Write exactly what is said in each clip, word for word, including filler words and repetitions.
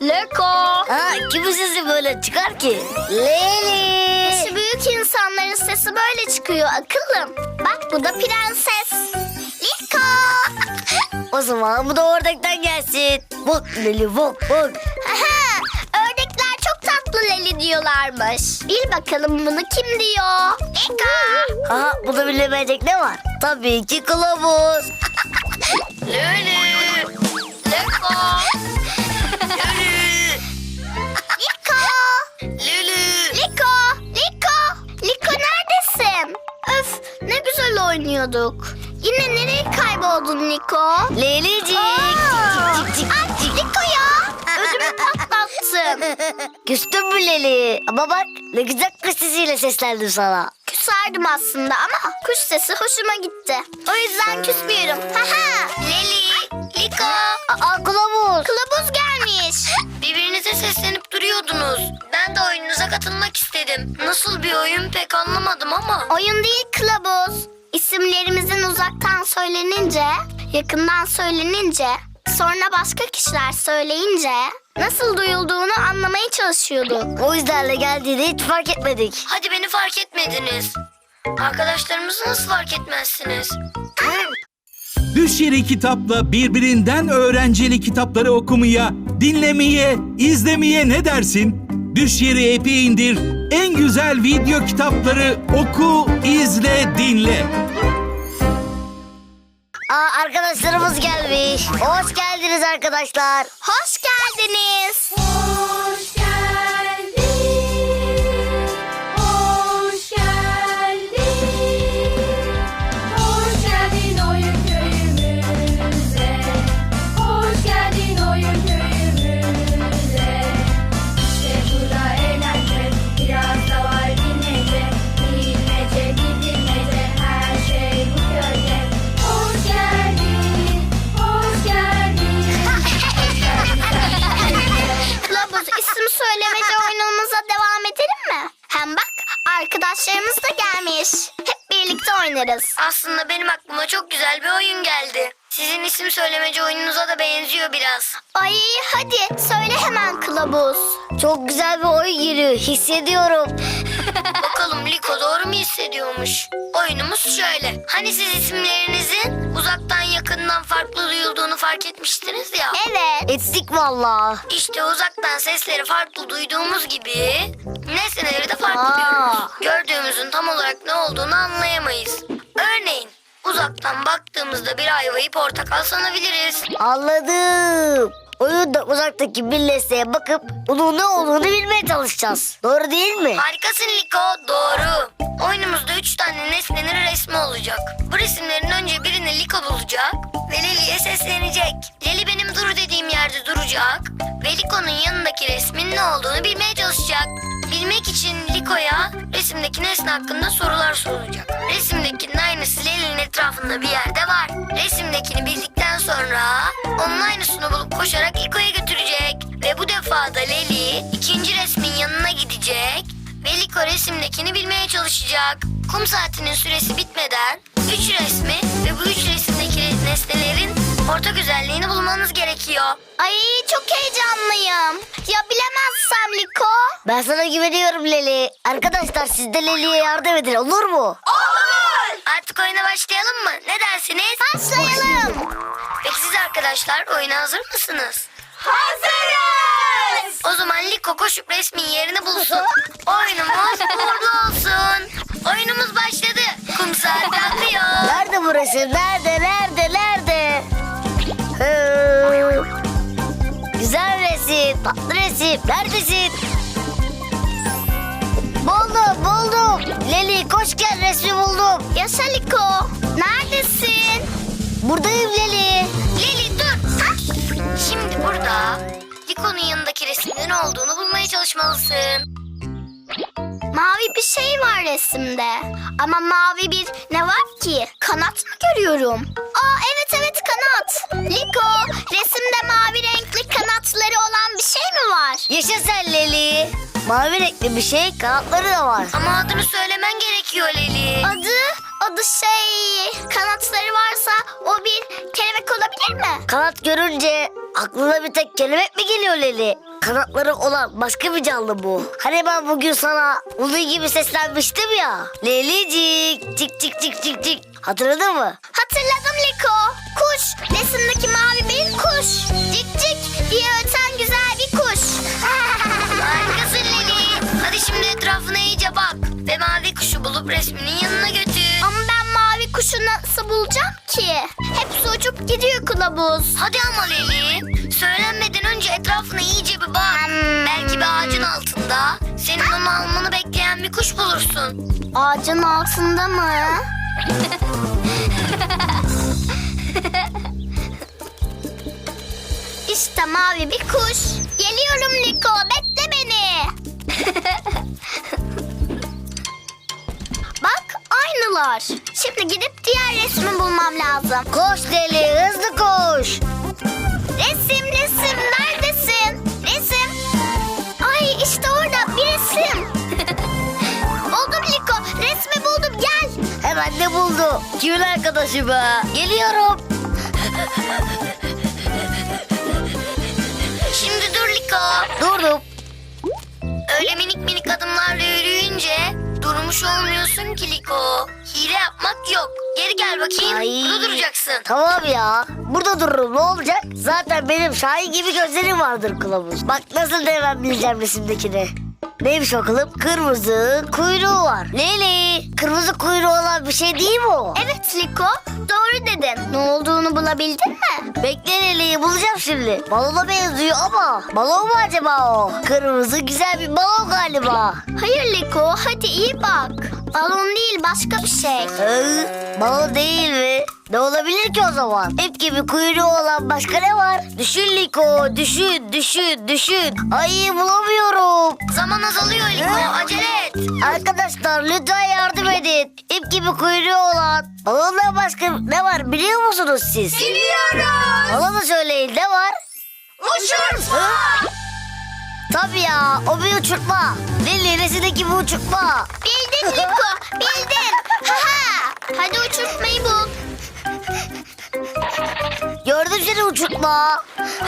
Liko. Ha, kimin sesi böyle çıkar ki? Leli. Yaşı büyük insanların sesi böyle çıkıyor akıllım. Bak bu da prenses. Liko. O zaman bu da ördekten gelsin. Bak Leli bak bak. Aha, ördekler çok tatlı Leli diyorlarmış. Bil bakalım bunu kim diyor? Liko. Ha, bunu bilemeyecek ne var? Tabii ki kılavuz. Leli. Liko. Leli. Liko. Leli. Liko. Liko. Liko neredesin? Öf ne güzel oynuyorduk. Yine nereye kayboldun Liko? Lelicik. Aa! Cik, cik, cik, Ay cik. Liko ya. Ödümü patlattın. Küstün mü Leli? Ama bak ne güzel kuş sesiyle seslendim sana. Küserdim aslında ama kuş sesi hoşuma gitti. O yüzden küsmüyorum. Haha. Leli, Liko. Aa, kılavuz. Kılavuz gelmiş. Birbirinize seslenip duruyordunuz. Ben de oyununuza katılmak istedim. Nasıl bir oyun pek anlamadım ama. Oyun değil kılavuz. İsimlerimizin uzaktan söylenince, yakından söylenince, sonra başka kişiler söyleyince nasıl duyulduğunu anlamaya çalışıyorduk. O yüzden geldiğini hiç fark etmedik. Hadi beni fark etmediniz. Arkadaşlarımızı nasıl fark etmezsiniz? Düş Yeri Kitap'la birbirinden öğrenceli kitapları okumaya, dinlemeye, izlemeye ne dersin? Düş Yeri app'i indir, en güzel video kitapları oku, izle, dinle. Aa, arkadaşlarımız gelmiş. Hoş geldiniz arkadaşlar. Hoş geldiniz. Hoş geldin, hoş geldin, hoş geldin oyun köyümüze, hoş geldin oyun köyümüze. İşte burada eğlence, biraz da var bilmece, bilmece, bilmece, her şey bu köyde. Hoş geldin, hoş geldin, hoş geldin. Kılavuz isim söylemece oyunumuza devam edelim mi? Hem bak arkadaşlarımız da gelmiş. Hep birlikte oynarız. Aslında benim aklıma çok güzel bir oyun geldi. Sizin isim söylemeci oyununuza da benziyor biraz. Ay hadi söyle hemen kılavuz. Çok güzel bir oyun geliyor. Hissediyorum. Bakalım Liko doğru mu hissediyormuş? Oyunumuz şöyle. Hani siz isimlerinizin uzaktan yakından farklı duyulduğunu fark etmiştiniz ya. Evet. Ettik valla. İşte uzaktan sesleri farklı duyduğumuz gibi nesneleri de farklı Aa. duyuyoruz. Gördüğümüzün tam olarak ne olduğunu anlayamayız. Örneğin uzaktan baktığımızda bir ayvayı portakal sanabiliriz. Anladım. Oyunda uzaktaki bir nesneye bakıp onun ne olduğunu bilmeye çalışacağız. Doğru değil mi? Harikasın Liko, doğru. Oyunumuzda üç tane nesnenin resmi olacak. Bu resimlerin önce birini Liko bulacak ve Leli'ye seslenecek. Leli benim dur dediğim yerde duracak ve Liko'nun yanındaki resmin ne olduğunu bilmeye çalışacak. Bilmek için Liko'ya resimdeki nesne hakkında sorular sorulacak. Resimdekinin aynısı Leli'nin etrafında bir yerde var. Resimdekini bildikten sonra onun aynısını bulup koşarak Liko'ya götürecek. Ve bu defa da Leli ikinci resmin yanına gidecek ve Liko resimdekini bilmeye çalışacak. Kum saatinin süresi bitmeden üç resmi ve bu üç resimdeki nesnelerin ortak özelliğini bulmanız gerekiyor. Ay çok heyecanlıyım. Ya bilemezsem Liko? Ben sana güveniyorum Leli. Arkadaşlar siz de Leli'ye yardım edin, olur mu? Artık oyuna başlayalım mı? Ne dersiniz? Başlayalım. Peki siz arkadaşlar oyuna hazır mısınız? Hazırız. O zaman Liko koşup resmin yerini bulsun. Oyunumuz uğurlu olsun. Oyunumuz başladı. Kum saati akıyor. Nerede bu resim? Nerede? Nerede? Nerede? Hı. Güzel resim. Tatlı resim. Neredesin? Buldum, buldum. Leli koş gel, resmi buldum. Yaşa Liko. Neredesin? Buradayım Leli. Lili dur. Hah. Şimdi burada Liko'nun yanındaki resimde ne olduğunu bulmaya çalışmalısın. Mavi bir şey var resimde. Ama mavi bir ne var ki? Kanat mı görüyorum? Aa evet evet kanat. Liko resimde mavi renkli kanatları olan bir şey mi var? Yaşa sen Leli. Mavi renkli bir şey, kanatları da var. Ama adını söylemen gerekiyor Leli. Adı, adı şey kanatları varsa o bir kelebek olabilir mi? Kanat görünce aklına bir tek kelebek mi geliyor Leli? kanatları olan başka bir canlı bu. Hani ben bugün sana onun gibi seslenmiştim ya. Lelicik, cik cik cik cik cik. Hatırladın mı? Hatırladım Liko. Kuş. Resimdeki mavi bir kuş. Cik cik diye öten güzel bir kuş. Harikasın Leli. Hadi şimdi etrafına iyice bak. Ve mavi kuşu bulup resminin yanına götür. Ama ben mavi kuşu nasıl bulacağım ki? Hepsi uçup gidiyor kılavuz. Hadi ama Leli. Söylenmeden önce etrafına iyice bir bak. Hmm. Belki bir ağacın altında senin onu almanı bekleyen bir kuş bulursun. Ağacın altında mı? İşte mavi bir kuş. Geliyorum Liko, bekle beni. Bak aynılar. Şimdi gidip diğer resmi bulmam lazım. Koş Leli, hızlı koş. Resim resim neredesin? Resim. Ay işte orada bir resim. Buldum Liko, resmi buldum, gel. Hemen de buldu. Kimin arkadaşı be? Geliyorum. Şimdi dur Liko. Durdum. Öyle minik minik adımlarla yürüyünce durmuş olmuyorsun ki Liko. Hile yapmak yok. Geri gel bakayım. Ay. Burada duracaksın. Tamam ya. Burada dururum, ne olacak? Zaten benim Şahin gibi gözlerim vardır kılavuz. Bak nasıl da hemen bileceğim resimdekini. Neymiş bakalım? Kırmızı kuyruğu var. Leli, kırmızı kuyruğu olan bir şey değil mi o? Evet Liko, doğru dedin. Ne olduğunu bulabildin mi? Bekle Leli'yi bulacağım şimdi. Balona benziyor ama balon mu acaba o? Kırmızı güzel bir balon galiba. Hayır Liko, hadi iyi bak. Balon değil, başka bir şey. Hı, balon değil mi? Ne olabilir ki o zaman? İp gibi kuyruğu olan başka ne var? Düşün Liko, düşün, düşün, düşün. Ay bulamıyorum. Zaman azalıyor Liko. Acele et. Arkadaşlar lütfen yardım edin. İp gibi kuyruğu olan balondan başka ne var biliyor musunuz siz? Biliyoruz. Bana da söyleyin, ne var? Uçurtma. Tabii ya, o bir uçurtma. Lili resimdeki bir uçurtma. Bildin Liko, bildin. Ha ha. Hadi uçurtmayı bul. Gördüm seni uçurtma.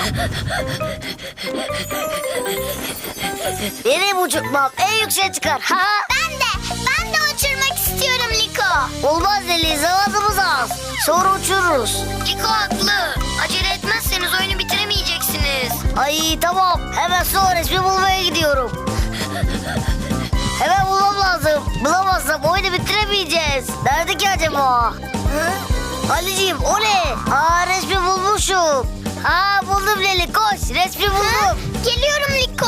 Benim uçurtmam en yükseğe çıkar. Ha ha. Ben de, ben de uçurmak istiyorum Liko. Olmaz Lili, zamanımız az. Sonra uçururuz. Liko haklı. Acele etmezseniz oyunu bitiremeyeceksiniz. Ay tamam, hemen son resmi bulmaya gidiyorum. Hemen bulmam lazım. Bulamazsam oyunu bitiremeyeceğiz. Nerede ki acaba? Hı? Ali'ciğim o ne? Aa resmi bulmuşum. Aa buldum Leli, koş, resmi buldum. Geliyorum Liko.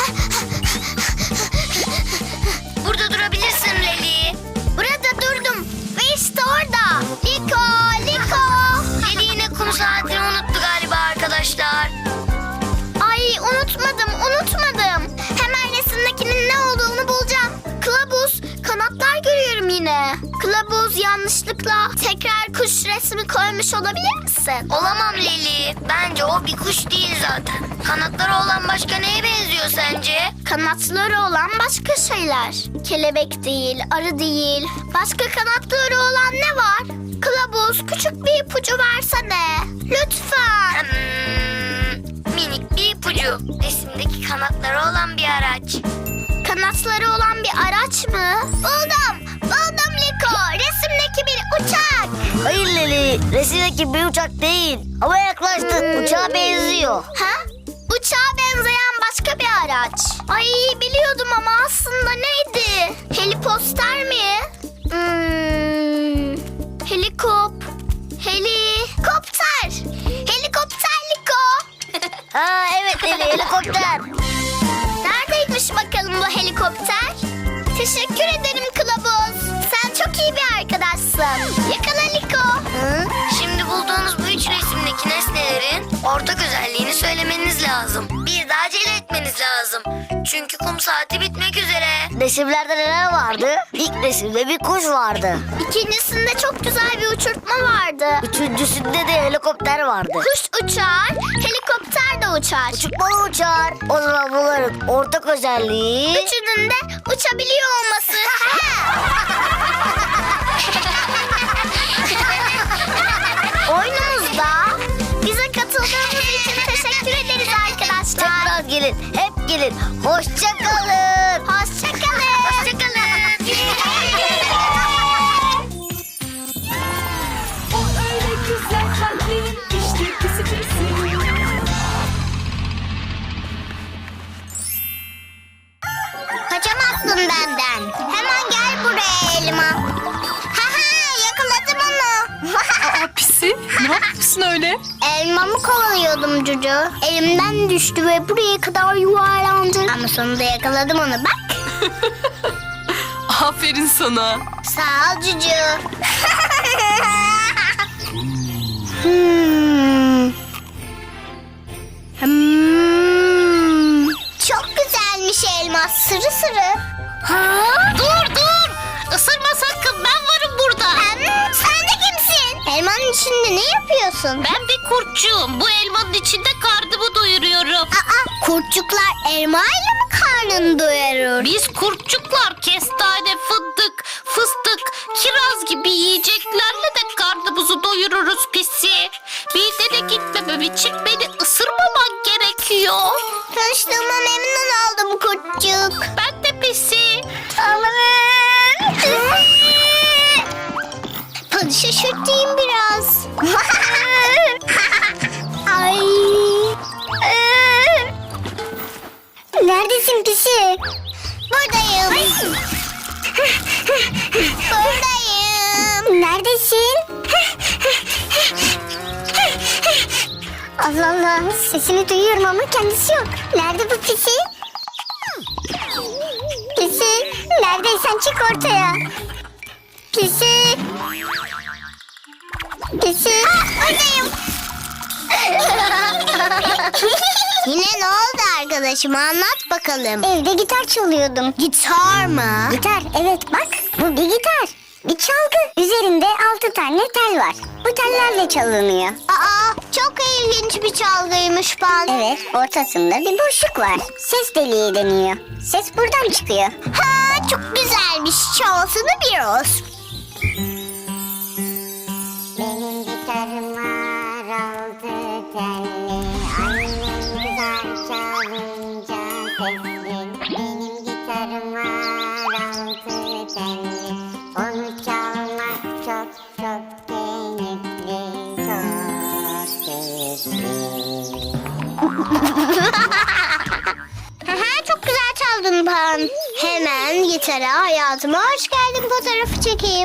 Burada durabilirsin Leli. Burada durdum ve işte orada. Liko, Liko. Leli yine kum saatini unuttu galiba arkadaşlar. Ay unutmadım, unutmadım. Hemen resimdekinin ne olduğunu bulacağım. Kılavuz, kanatlar görüyorum yine. Kılavuz yanlışlıkla tekrar kuş resmi koymuş olabilir misin? Olamam Leli. Bence o bir kuş değil zaten. Kanatları olan başka neye benziyor sence? Kanatları olan başka şeyler. Kelebek değil, arı değil. Başka kanatları olan ne var? Kılavuz, küçük bir ipucu versene. Lütfen. Hmm, minik bir ipucu. Resimdeki kanatları olan bir araç. Kanatları olan bir araç mı? Buldum, buldum Liko. Resimdeki bir uçak. Hayır Leli, resimdeki bir uçak değil. Ama yaklaştın, uçağa benziyor. Ha? Uçağa benzeyen başka bir araç. Ay biliyordum ama aslında neydi? Heliposter mi? Hmm, helikop. Helikopter. Helikopter Liko. Ha evet Leli, helikopter. Neredeymiş bakalım bu helikopter? Teşekkür ederim Kılavuz. Sen çok iyi bir arkadaşsın. Yakala Liko. Hı? Şimdi bulduğunuz bu üç resimdeki nesnelerin ortak özelliğini söylemeniz lazım. Bir de acele etmeniz lazım. Çünkü kum saati bitmek üzere. Resimlerde neler vardı? İlk resimde bir kuş vardı. İkincisinde çok güzel bir uçurtma vardı. Üçüncüsünde de helikopter vardı. Kuş uçar, helikopter de uçar. Uçurtmalı uçar. O zaman bunların ortak özelliği... Üçünün de uçabiliyor olması. Oyunumuzda bize katıldığınız için teşekkür ederiz arkadaşlar. Tekrar gelin. gelin. Hoşça kalın. Hoşça kalın. Hoşça kalın. O öyle güzel kalpli, işte pisi pisi. Kaçamazsın benden. Hemen gel buraya elma. Ha ha, yakaladım onu. Aa Pisi, ne yapıyorsun öyle? Elmamı kovalıyordum Cucu. Elimden düştü ve buraya kadar yuvarlandı. Ama sonunda yakaladım onu, bak. Aferin sana. Sağ ol Cucu. hmm. Hmm. Çok güzelmiş elma, sırı sırı. Ha? Dur dur. Isırma sakın, ben varım burada. Hem sen de kimsin? Elmanın içinde ne yapıyorsun? Ben bir kurtçuğum. Bu elmanın içinde karnımı doyuruyorum. Aa, kurtçuklar elmayla mı karnını doyurur? Biz kurtçuklar kestane, fındık, fıstık, kiraz gibi yiyeceklerle de karnımızı doyururuz Pisi. Midene gitmemem için beni ısırmaman gerekiyor. Tanıştığıma memnun oldum kurtçuk. Ben de Pisi. Aman. Hadi şaşırtayım biraz. Ay. Neredesin pisi? Buradayım. Buradayım. Neredesin? Allah Allah, sesini duyuyorum ama kendisi yok. Nerede bu pisi? Pisi, neredeysen çık ortaya. Pisi. Pisi. Buradayım. Yine ne oldu arkadaşım, anlat bakalım. Evde gitar çalıyordum. Gitar mı? Gitar, evet bak, bu bir gitar. Bir çalgı. Üzerinde altı tane tel var. Bu tellerle çalınıyor. Aa, çok ilginç bir çalgıymış Pan. Evet, ortasında bir boşluk var. Ses deliği deniyor. Ses buradan çıkıyor. Ha, çok güzelmiş. Çalsana biraz. Benim gitarım var altı telli. Annem güzel çalınca sesli. Benim gitarım var altı telli. Onu çalmak çok çok keyifli, çok keyifli. Çok güzel çaldın Pan. Hemen gitara hayatıma hoş geldin fotoğrafı çekeyim.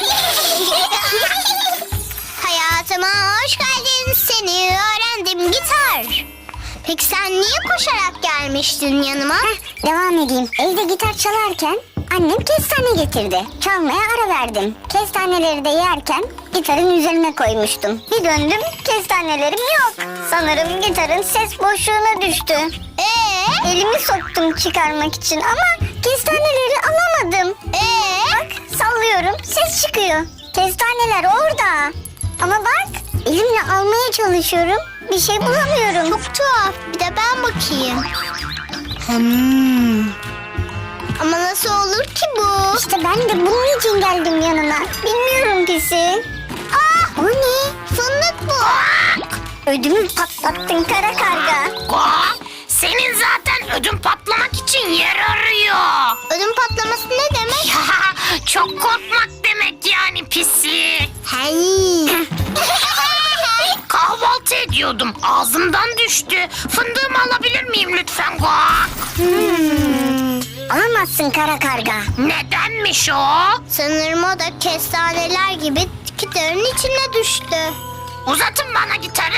Hayatıma hoş geldin, seni öğrendim gitar. Peki sen niye koşarak gelmiştin yanıma? Heh, devam edeyim. Evde gitar çalarken annem kestane getirdi. Çalmaya ara verdim. Kestaneleri de yerken gitarın üzerine koymuştum. Bir döndüm, kestanelerim yok. Sanırım gitarın ses boşluğuna düştü. Ee? Elimi soktum çıkarmak için ama kestaneleri alamadım. Ee? Bak sallıyorum, ses çıkıyor. Kestaneler orada. Ama bak, elimle almaya çalışıyorum. Bir şey bulamıyorum. Çok tuhaf. Bir de ben bakayım. Hmm. Ama nasıl olur ki bu? İşte ben de bunun için geldim yanına. Bilmiyorum pisi. Ah, o ne? Fındık bu. Ödümü patlattın kara karga. Senin zaten ödün patlamak için yer arıyor. Ödüm patlaması ne demek? Çok korkmak demek yani Pisi. Hey. Kahvaltı ediyordum. Ağzımdan düştü. Fındığımı alabilir miyim lütfen? Guak. Hmm. Alamazsın kara karga. Nedenmiş o? Sanırım o da kestaneler gibi gitarın içine düştü. Uzatın bana gitarı.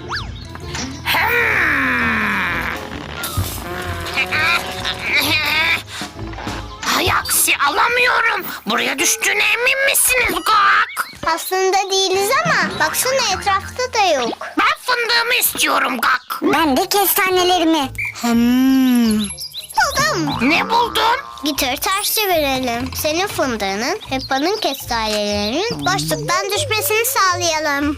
Hay aksi alamıyorum. Buraya düştüğüne emin misiniz Guak? Aslında değiliz ama baksana etrafta da yok. Ben fındığımı istiyorum Gak. Ben de kestanelerimi. Hmm. Buldum. Ne buldun? Gitarı ters çevirelim. Senin fındığının, Peppa'nın kestanelerinin boşluktan düşmesini sağlayalım.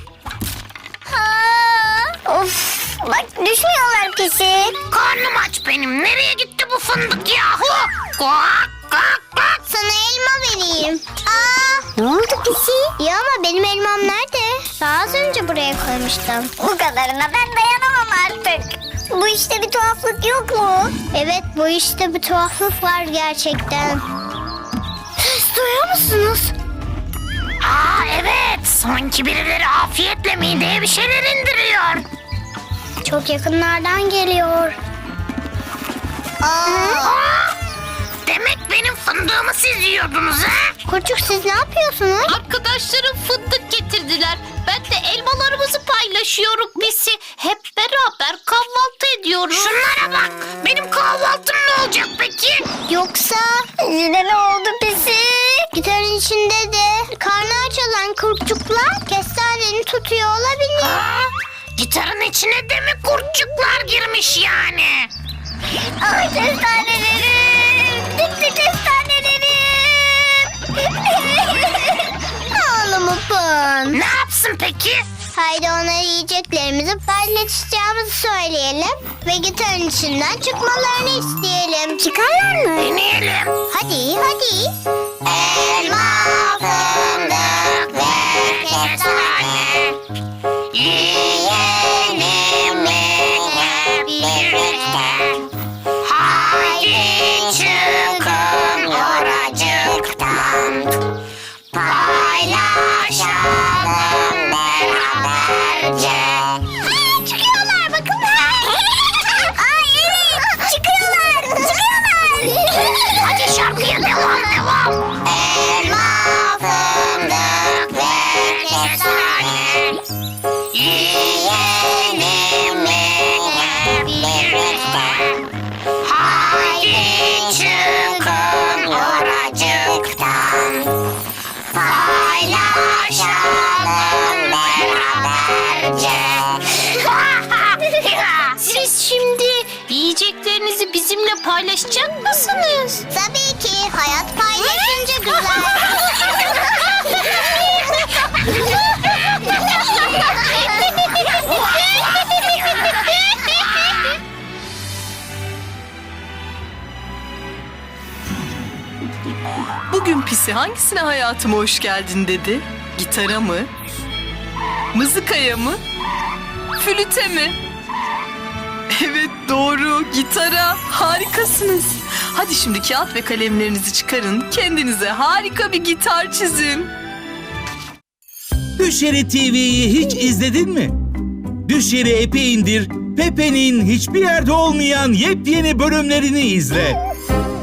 Ha, of, bak düşmüyorlar pisi. Karnım aç benim. Nereye gitti bu fındık yahu? Guak guak guak. Sana elma vereyim. Aa, ne oldu pisi? Ya ama benim elmam nerede? Daha az önce buraya koymuştum. Bu kadarına ben dayanamam artık. Bu işte bir tuhaflık yok mu? Evet, bu işte bir tuhaflık var gerçekten. Ses duyuyor musunuz? Aa evet. Sanki birileri afiyetle mideye bir şeyler indiriyor. Çok yakınlardan geliyor. Aa, Demek benim fındığımı siz yiyordunuz ha? Kurtçuk, siz ne yapıyorsunuz? Arkadaşlarım fındık getirdiler. Ben de elmalarımızı paylaşıyorum pisi. Hep beraber kahvaltı ediyoruz. Şunlara bak. Benim kahvaltım ne olacak peki? Yoksa yine ne oldu pisi? Gitarın içinde de karnı aç olan kurtçuklar kestaneni tutuyor olabilir. Ha? Gitarın içine de mi kurtçuklar girmiş yani? Ay kestanelerim! Gitti kestanelerim! Ağlama Pan. Ne yapsın peki? Haydi ona yiyeceklerimizi paylaşacağımızı söyleyelim ve gitarın içinden çıkmalarını isteyelim. Çıkarlar mı? Deneyelim. Hadi hadi. Elma, fındık ve kestane. Yiyelim hep birlikte. Haydi çıkın oracıktan. Paylaşalım beraberce. Aa, çıkıyorlar bakın. Ay evet çıkıyorlar. Çıkıyorlar. Hadi şarkıya devam devam. Elma, Fındık ve kestane. Yiyelim hep birlikte. Haydi çıkın oracıktan. Paylaşalım beraberce. Siz şimdi yiyeceklerinizi bizimle paylaşacak mısınız? Tabii ki hayat paylaşınca güzel. Bugün Pisi hangisine hayatıma hoş geldin dedi? Gitara mı? Mızıkaya mı? Flüte mi? Evet doğru, gitara. Harikasınız. Hadi şimdi kağıt ve kalemlerinizi çıkarın. Kendinize harika bir gitar çizin. Düşeri T V'yi hiç izledin mi? Düşeri app'i indir, Pepe'nin hiçbir yerde olmayan yepyeni bölümlerini izle.